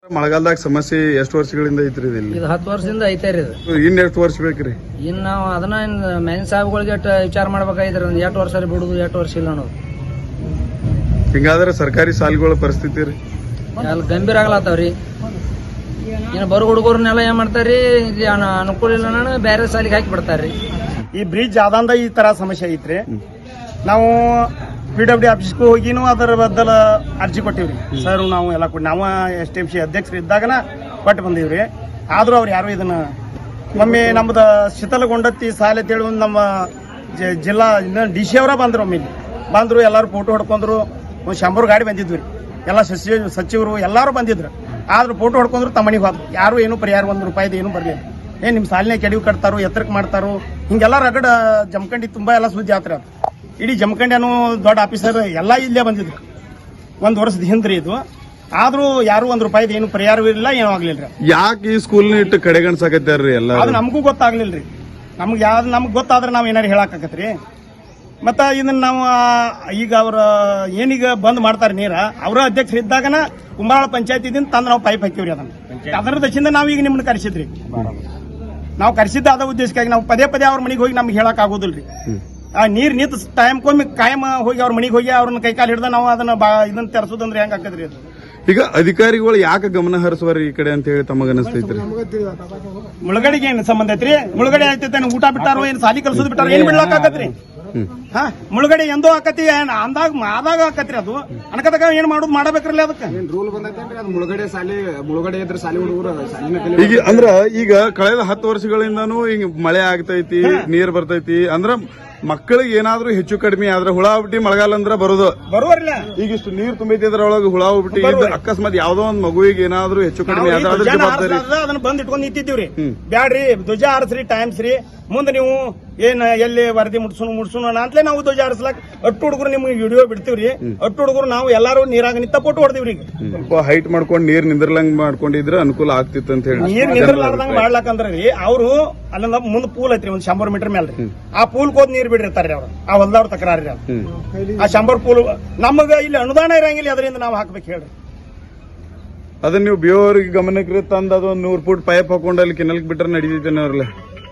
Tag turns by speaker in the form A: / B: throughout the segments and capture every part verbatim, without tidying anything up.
A: ಮಳೆಗಾಲದಾಗ ಸಮಸ್ಯೆ ಎಷ್ಟು ವರ್ಷಗಳಿಂದ ಐತ್ರಿ ಇಲ್ಲಿ?
B: ಇದು ಹತ್ತು ವರ್ಷದಿಂದ ಐತೆ ರೀ. ಇದು
A: ಇನ್ ಎಷ್ಟು ವರ್ಷ ಬೇಕ್ರಿ?
B: ಇನ್ ನಾವು ಅದನ್ನ ಮೆನ್ ಸಾಹೇಬ್ಗಳಿಗೆ ವಿಚಾರ ಮಾಡ್ಬೇಕಾಗಿದ್ರಿ. ಒಂದ್ ಎಷ್ಟು ವರ್ಷ ಬಿಡುದು, ಎಷ್ಟು ವರ್ಷ ಇಲ್ಲ ಅನ್ನೋದು.
A: ಹಿಂಗಾದ್ರೆ ಸರ್ಕಾರಿ ಶಾಲೆಗಳ ಪರಿಸ್ಥಿತಿ ರೀ
B: ಅಲ್ಲಿ ಗಂಭೀರ ಆಗ್ಲತ್ತಾವ್ರಿ. ಇನ್ನು ಬರೋ ಹುಡುಗರ್ನೆಲ್ಲ ಏನ್ ಮಾಡ್ತಾರ್ರಿ, ಇಲ್ಲಿ ಅನುಕೂಲ ಇಲ್ಲ ನಾನು ಬೇರೆ ಶಾಲೆಗೆ ಹಾಕಿ ಬಿಡ್ತಾರ್ರಿ.
C: ಈ ಬ್ರಿಡ್ಜ್ ಆದಂದ ಈ ತರ ಸಮಸ್ಯೆ ಐತ್ರಿ. ನಾವು ಪಿ ಡಬ್ಲ್ಯೂ ಡಿ ಆಫೀಸ್ಗೂ ಹೋಗಿನೂ ಅದರ ಬದಲ ಅರ್ಜಿ ಕೊಟ್ಟಿವ್ರಿ. ಸರ್ ನಾವು ಎಲ್ಲ ಕೊಟ್ಟು ನಾವು ಎಸ್ ಟಿ ಎಂ ಸಿ ಅಧ್ಯಕ್ಷರು ಇದ್ದಾಗನ ಕೊಟ್ಟು ಬಂದೀವ್ರಿ. ಆದ್ರೂ ಅವ್ರು ಯಾರು ಇದನ್ನ ಒಮ್ಮೆ ನಮ್ದು ಶೀತಲಗೊಂಡತ್ತಿ ಶಾಲೆ ಅಂತೇಳಿ ಒಂದು ನಮ್ಮ ಜಿಲ್ಲಾ ಡಿ ಸಿ ಅವರ ಬಂದ್ರು. ಒಮ್ಮೆ ಬಂದ್ರು, ಎಲ್ಲರೂ ಫೋಟೋ ಹೊಡ್ಕೊಂಡ್ರು. ಒಂದು ಶಂಬರ್ ಗಾಡಿ ಬಂದಿದ್ವಿ, ಎಲ್ಲ ಸಚಿವ ಸಚಿವರು ಎಲ್ಲರೂ ಬಂದಿದ್ರು. ಆದ್ರೂ ಫೋಟೋ ಹೊಡ್ಕೊಂಡ್ರು, ತಮ್ಮ ಮನೆಗೆ ಹೋದ್ರು. ಯಾರು ಏನು ಪರಿಹಾರ ಒಂದು ರೂಪಾಯಿದು ಏನು ಬರಲಿಲ್ಲ. ಏನ್ ನಿಮ್ಮ ಸಾಲಿನ ಕೆಡವು ಕಟ್ತಾರೋ, ಎತ್ತರಕ್ಕೆ ಮಾಡ್ತಾರೋ, ಹಿಂಗೆಲ್ಲ ರಗಡ ಜಮಖಂಡಿ ತುಂಬಾ ಎಲ್ಲ ಸುದ್ದಿ ಆತ್ರ. ಇಡೀ ಜಮಖಂಡಿ ಅನ್ನೋ ದೊಡ್ಡ ಆಫೀಸರ್ ಎಲ್ಲ ಇಲ್ಲೇ ಬಂದಿದ್ರು ಒಂದ್ ವರ್ಷದ ಹಿಂದ್ರಿ ಇದು. ಆದ್ರೂ ಯಾರು ಒಂದ್ ರೂಪಾಯಿದು ಏನು ಪರಿಹಾರವಿಲ್ಲ, ಏನೂ ಆಗ್ಲಿಲ್ರಿ.
A: ಯಾಕೆ ಈ ಸ್ಕೂಲ್ ಇಟ್ಟು ಕಡೆಗಣಿಸಾಕತ್ತಾರ್ರಿ ಎಲ್ಲ?
C: ಅದು ನಮಗೂ ಗೊತ್ತಾಗ್ಲಿಲ್ರಿ. ನಮ್ಗೆ ಯಾವ್ದು ನಮ್ಗೆ ಗೊತ್ತಾದ್ರೆ ನಾವ್ ಏನಾರು ಹೇಳಾಕತ್ರಿ. ಮತ್ತ ಇದನ್ನ ನಾವು ಈಗ ಅವ್ರ ಏನೀಗ ಬಂದ್ ಮಾಡ್ತಾರೆ ನೀರ, ಅವರ ಅಧ್ಯಕ್ಷರು ಇದ್ದಾಗನ ಕುಂಬಾಳ ಪಂಚಾಯತಿದಿಂದ ತಂದು ನಾವು ಪೈಪ್ ಹಾಕಿವ್ರಿ. ಅದನ್ನ ಅದರ ದಶಿಂದ ನಾವೀಗ ನಿಮ್ಮನ್ನ ಕರೆಸಿದ್ರಿ. ನಾವು ಕರೆಸಿದ್ದ ಅದ ಉದ್ದೇಶಕ್ಕಾಗಿ. ನಾವು ಪದೇ ಪದೇ ಅವ್ರ ಮನೆಗೆ ಹೋಗಿ ನಮ್ಗೆ ಹೇಳಕ್ ಆಗೋದಿಲ್ರಿ. ಆ ನೀರ್ ನಿಂತ ಟೈಮ್ಕೊಮ್ಮೆ ಕಾಯಂ ಹೋಗಿ ಅವ್ರ ಮನೆಗೆ ಹೋಗಿ ಅವ್ರನ್ನ ಕೈಕಾಲು ಹಿಡ್ದ ನಾವು ಅದನ್ನ ಇದನ್ನ ತೆರೆಸೋದಂದ್ರೆ ಹೆಂಗ್ ಆಕದ್ರಿ ಅದು?
A: ಈಗ ಅಧಿಕಾರಿಗಳು ಯಾಕೆ ಗಮನ ಹರಿಸುವರಿ ಈ ಕಡೆ ಅಂತ ಹೇಳಿ ತಮಗ ಅನಿಸ್ತೈತ್ರಿ?
C: ಮುಳುಗಡೆಗೆ ಏನ್ ಸಂಬಂಧ ಐತ್ರಿ? ಮುಳುಗಡೆ ಆಯ್ತೈತೆ, ಊಟ ಬಿಟ್ಟಾರೋ, ಏನ್ ಸಾಲಿ ಕಲ್ಸೋದ್ ಬಿಟ್ಟಾರೋ, ಏನ್ ಬಿಡ್ಲಾಕ್ ಆಕತ್ರಿ? ಹಾ, ಮುಳುಗಡೆ ಎಂದೋ ಆಕತಿ, ಅಂದಾಗ ಆದಾಗ ಆಕತ್ರಿ. ಅದು ಅನ್ಕದಾಗ ಏನ್ ಮಾಡೋದು ಮಾಡಬೇಕ್ರಲ್ಲ. ಅದಕ್ಕೆ
D: ರೂಲ್ ಬಂದೈತೇನ್ರಿ? ಅದು ಮುಳುಗಡೆ ಸಾಲಿ ಮುಳುಗಡೆ ಇದ್ರೆ ಸಾಲಿ ಹುಡುಗರು
A: ಈಗ ಅಂದ್ರ ಈಗ ಕಳೆದ ಹತ್ತು ವರ್ಷಗಳಿಂದಾನು ಹಿಂಗ ಮಳೆ ಆಗ್ತೈತಿ, ನೀರ್ ಬರ್ತೈತಿ. ಅಂದ್ರ ಮಕ್ಕಳಿಗೆ ಏನಾದ್ರೂ ಹೆಚ್ಚು ಕಡಿಮೆ ಆದ್ರೆ ಹುಳ ಹುಟ್ಟಿ ಮಳೆಗಾಲ ಅಂದ್ರ ಬರೋದು
C: ಬರುವರಿಲ್ಲ.
A: ಈಗ ಇಷ್ಟು ನೀರ್ ತುಂಬೈತಿ, ಅದ್ರೊಳಗೆ ಹುಳ ಹುಟ್ಟಿ ಅಕಸ್ಮಾತ್ ಯಾವ್ದೋ ಒಂದ್ ಮಗುವಿಗೆ ಏನಾದ್ರೂ ಹೆಚ್ಚು ಕಡಿಮೆ ಆದ್ರೆ ಅದ್ರ ಜವಾಬ್ದಾರಿ
C: ಅದನ್ನ ಬಂದ್ ಇಟ್ಕೊಂಡ್ ನಿಂತಿದ್ದೀವ್ರಿ. ಬ್ಯಾಡ್ರಿ, ಧ್ವಜ ಹಾರಿಸ್ರಿ ಟೈಮ್ಸ್ ರೀ. ಮುಂದೆ ನೀವು ಏನ್ ಎಲ್ಲಿ ವರದಿ ಮುಡ್ಸೋಣ ಮುಡ್ಸೋಣ ಅಂತಲೇ ನಾವು ಧ್ವಜ ಹಾರಿಸ್ಲಾಕ್ ಅಟ್ಟು ಹುಡುಗರು ನಿಮ್ಗೆ ವಿಡಿಯೋ ಬಿಡ್ತೀವ್ರಿ. ಅಟ್ಟು ಹುಡುಗರು ನಾವು ಎಲ್ಲಾರು ನೀರಾಗ ನಿಂತ ಫೋಟೋ ಹೊಡ್ತೀವ್ರಿ.
A: ಸ್ವಲ್ಪ ಹೈಟ್ ಮಾಡ್ಕೊಂಡು ನೀರ್ ನಿಂದ್ರಲಂಗ್ ಮಾಡ್ಕೊಂಡಿದ್ರೆ ಅನುಕೂಲ ಆಗ್ತಿತ್ತು ಅಂತ ಹೇಳಿ.
C: ನೀರ್ ನಿಂದ್ರಲಾರ್ದಂಗ ಮಾಡ್ಲಾಕಂದ್ರಿ ಅವ್ರು ಅಲ್ಲಿಂದ ಮುಂದ್ ಪೂಲ್ ಐತ್ರಿ, ಒಂದ್ ಶಂಬರ್ ಮೀಟರ್ ಮೇಲೆ. ಆ ಪೂಲ್ ಹೋದ್ ನೀರ್ ಬಿಡಿರ್ತಾರ್ರಿ ಅವ್ರು, ಆ ಹೊಲ್ದವ್ರ ತಕರಾರಿ. ಆ ಶಂಬರ್ ಪೂಲ್ ನಮಗ ಇಲ್ಲಿ ಅನುದಾನ ಇರಂಗಿಲ್ಲ, ಅದರಿಂದ ನಾವು ಹಾಕ್ಬೇಕು ಹೇಳ್ರಿ.
A: ಅದನ್ನ ನೀವು ಬಿಯೋರಿಗೆ ಗಮನಕ್ಕೆ ತಂದ ಅದೊಂದು ನೂರ್ ಫುಟ್ ಪೈಪ್ ಹಾಕೊಂಡು ಅಲ್ಲಿ ಕೆನಲ್ಕ್ ಬಿಟ್ರೆ ನಡೀತೈತೆ ಅವ್ರಲ್ಲ?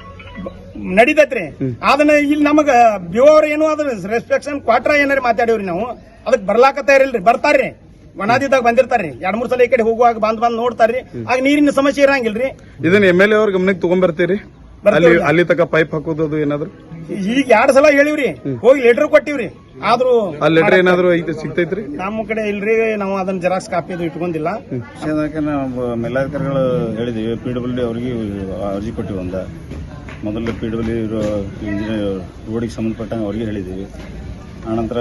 C: ನಡೀತೈತ್ರಿ. ಅದನ್ನ ಇಲ್ಲಿ ನಮಗ ಬಿಯೋರ್ ಏನು ಅದ್ರ ರೆಸ್ಟ್ರಿಕ್ಷನ್ ಕ್ವಾಟ್ರ ಏನಾರ ಮಾತಾಡೇವ್ರಿ ನಾವು. ಅದಕ್ಕೆ ಬರ್ಲಾಕತ್ತ ಇರಲ್ರಿ, ಬರ್ತಾರ್ರಿ. ವನಾದಿದಾಗ ಬಂದಿರ್ತಾರ್ರಿ, ಎರಡ್ ಮೂರ್ ಸಲ ಈ ಕಡೆ ಹೋಗುವಾಗ ಬಂದ್ ಬಂದ್ ನೋಡ್ತಾರ್ರಿ. ಆಗ ನೀರಿನ ಸಮಸ್ಯೆ ಇರಂಗಿಲ್ರಿ. ಇದನ್ನ
A: ಎಮ್ ಎಲ್ ಎ ಅವ್ರ ಗಮನಕ್ಕೆ ತಗೊಂಡ್ಬರ್ತೀರಿ? ಅಲ್ಲಿ ಅಲ್ಲಿ ತಕ ಪೈಪ್ ಹಾಕೋದು ಏನಾದ್ರು
C: ಈಗ ಎರಡ್ ಸಲ ಹೇಳಿವ್ರಿ, ಹೋಗಿ ಲೆಟರ್ ಕೊಟ್ಟಿವ್ರಿ. ಆದ್ರೂ
A: ಆ ಲೆಟರ್ ಏನಾದ್ರು ಸಿಗ್ತೈತ್ರಿ?
C: ನಮ್ಮ ಕಡೆ ಇಲ್ರಿ, ನಾವು ಅದನ್ನ ಜೆರಾಕ್ಸ್ ಕಾಪಿ ಅದು ಇಟ್ಕೊಂಡಿಲ್ಲ.
D: ನಾವು ಮೇಲಾಧಿಕಾರಿಗಳು ಹೇಳಿದೀವಿ, ಪಿ ಡಬ್ಲ್ಯೂ ಡಿ ಅವ್ರಿಗೆ ಅರ್ಜಿ ಕೊಟ್ಟಿವಿ. ಒಂದ ಮೊದಲು ಪಿ ಡಬ್ಲ್ಯೂ ಇರೋ ಇಂಜಿನಿಯರ್ ರೋಡಿಗೆ ಸಂಬಂಧಪಟ್ಟಂಗೆ ಅವ್ರಿಗೆ ಹೇಳಿದ್ದೀವಿ. ಆನಂತರ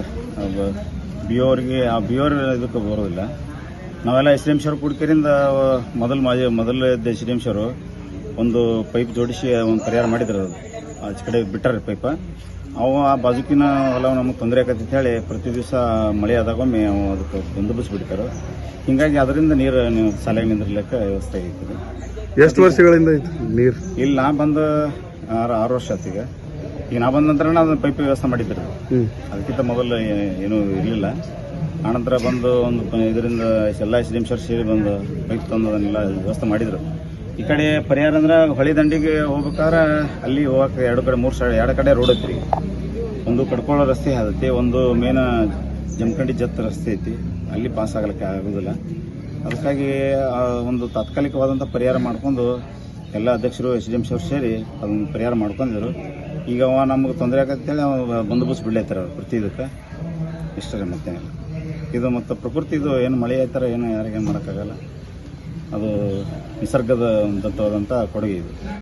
D: ಬಿ ಓ ಅವ್ರಿಗೆ, ಆ ಬಿ ಓ ಇದಕ್ಕೆ ಬರೋದಿಲ್ಲ. ನಾವೆಲ್ಲ ಎಸ್ ಡಿ ಎಂ ಸಿ ಅವ್ರು ಕುಡ್ಕರಿಂದ ಮೊದಲು ಮಾಜಿ ಮೊದಲ ಎಸ್ ಡಿ ಎಂ ಸಿ ಅವರು ಒಂದು ಪೈಪ್ ಜೋಡಿಸಿ ಒಂದು ಪರಿಹಾರ ಮಾಡಿದ್ರು. ಅದು ಆಚೆ ಕಡೆ ಬಿಟ್ಟಾರೆ ಪೈಪ. ಅವು ಆ ಬಾಜುಕಿನ ಹೊಲ ನಮಗೆ ತೊಂದರೆ ಆಕತಿ ಹೇಳಿ ಪ್ರತಿ ದಿವಸ ಮಳೆ ಆದಾಗೊಮ್ಮೆ ಅವು ಅದಕ್ಕೆ ಬಂದೋಬಸ್ತ್ ಬಿಡ್ತಾರೆ. ಹಿಂಗಾಗಿ ಅದರಿಂದ ನೀರು ನೀವು ಸಾಲಾಗಿ ನಿಂದಿರ್ಲಿಕ್ಕೆ ವ್ಯವಸ್ಥೆ ಆಗೈತಿ.
A: ಎಷ್ಟು ವರ್ಷಗಳಿಂದ ಐತಿ ನೀರು
D: ಇಲ್ಲಿ? ನಾ ಬಂದು ಆರು ಆರು ವರ್ಷ ಆಯ್ತು. ಈಗ ಈಗ ನಾ ಬಂದ ನಂತರ ಅದನ್ನ ಪೈಪ್ ವ್ಯವಸ್ಥೆ ಮಾಡಿದ್ರು. ಅದಕ್ಕಿಂತ ಮೊದಲು ಏನೂ ಇರಲಿಲ್ಲ. ಆನಂತರ ಬಂದು ಒಂದು ಇದರಿಂದ ಎಲ್ಲ ಎಸ್ ಡಿ ಎಂ ಸಿ ಸೇರಿ ಬಂದು ಪೈಪ್ ತಂದು ಅದನ್ನೆಲ್ಲ ವ್ಯವಸ್ಥೆ ಮಾಡಿದ್ರು. ಈ ಕಡೆ ಪರಿಹಾರ ಅಂದ್ರೆ ಹೊಳಿ ದಂಡಿಗೆ ಹೋಗ್ಬೇಕಾದ್ರೆ ಅಲ್ಲಿ ಹೋಗಕ್ಕೆ ಎರಡು ಕಡೆ ಮೂರು ಸೈಡ್ ಎರಡು ಕಡೆ ರೋಡ್ ಐತ್ರಿ. ಒಂದು ಕಡ್ಕೊಳ್ಳೋ ರಸ್ತೆ ಐತಿ, ಒಂದು ಮೇನ ಜಮಖಂಡಿ ಜತ್ ರಸ್ತೆ ಐತಿ. ಅಲ್ಲಿ ಪಾಸ್ ಆಗಲಿಕ್ಕೆ ಆಗೋದಿಲ್ಲ. ಅದಕ್ಕಾಗಿ ಒಂದು ತಾತ್ಕಾಲಿಕವಾದಂಥ ಪರಿಹಾರ ಮಾಡ್ಕೊಂಡು ಎಲ್ಲ ಅಧ್ಯಕ್ಷರು ಎಸ್ ಡಿ ಎಂ ಸಿ ಅವ್ರು ಸೇರಿ ಅದನ್ನು ಪರಿಹಾರ ಮಾಡ್ಕೊಂಡಿದ್ರು. ಈಗ ಅವ ನಮ್ಗೆ ತೊಂದರೆ ಆಗತ್ತೇಳಿ ಅವ ಬಂದೋಬಸ್ತ್ ಬಿಡ್ಲೈತಾರೆ ಅವ್ರು ಪ್ರತಿ ಇದಕ್ಕೆ. ಇಷ್ಟೇ ಮತ್ತೇನಿಲ್ಲ. ಇದು ಮತ್ತು ಪ್ರಕೃತಿದು ಏನು ಮಳೆ ಆಯ್ತಾರ ಏನು ಯಾರಿಗೇನು ಮಾಡೋಕ್ಕಾಗಲ್ಲ. ಅದು ನಿಸರ್ಗದ ದತ್ತವಾದಂಥ ಕೊಡುಗೆ ಇದು.